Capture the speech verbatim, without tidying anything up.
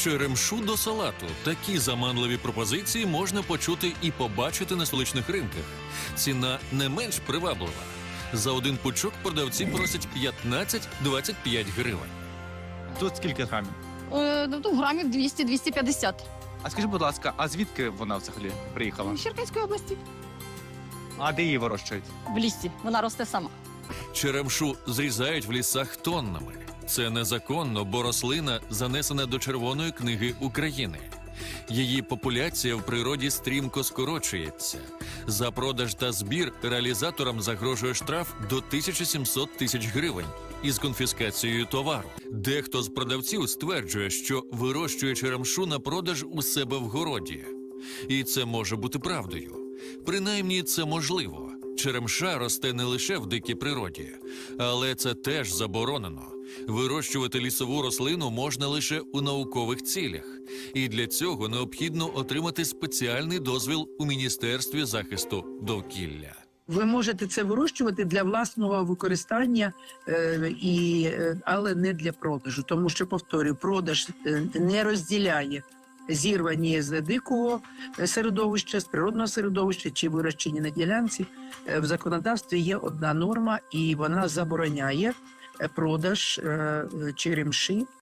Черемшу до салату. Такі заманливі пропозиції можна почути і побачити на столичних ринках. Ціна не менш приваблива. За один пучок продавці просять п'ятнадцять-двадцять п'ять гривень. Тут скільки грамів? Е, ну, грамів двісті - двісті п'ятдесят. А скажи, будь ласка, а звідки вона взагалі приїхала? З Черкаської області. А де її вирощують? В лісі. Вона росте сама. Черемшу зрізають в лісах тоннами. Це незаконно, бо рослина занесена до Червоної книги України. Її популяція в природі стрімко скорочується. За продаж та збір реалізаторам загрожує штраф до тисячі сімсот тисяч гривень із конфіскацією товару. Дехто з продавців стверджує, що вирощує черемшу на продаж у себе в городі. І це може бути правдою. Принаймні, це можливо. Черемша росте не лише в дикій природі, але це теж заборонено. Вирощувати лісову рослину можна лише у наукових цілях. І для цього необхідно отримати спеціальний дозвіл у Міністерстві захисту довкілля. Ви можете це вирощувати для власного використання, е, і, е, але не для продажу. Тому що, повторюю, продаж е, не розділяє зірвані з дикого середовища, з природного середовища чи вирощені на ділянці. Е, в законодавстві є одна норма, і вона забороняє продаж е, черемши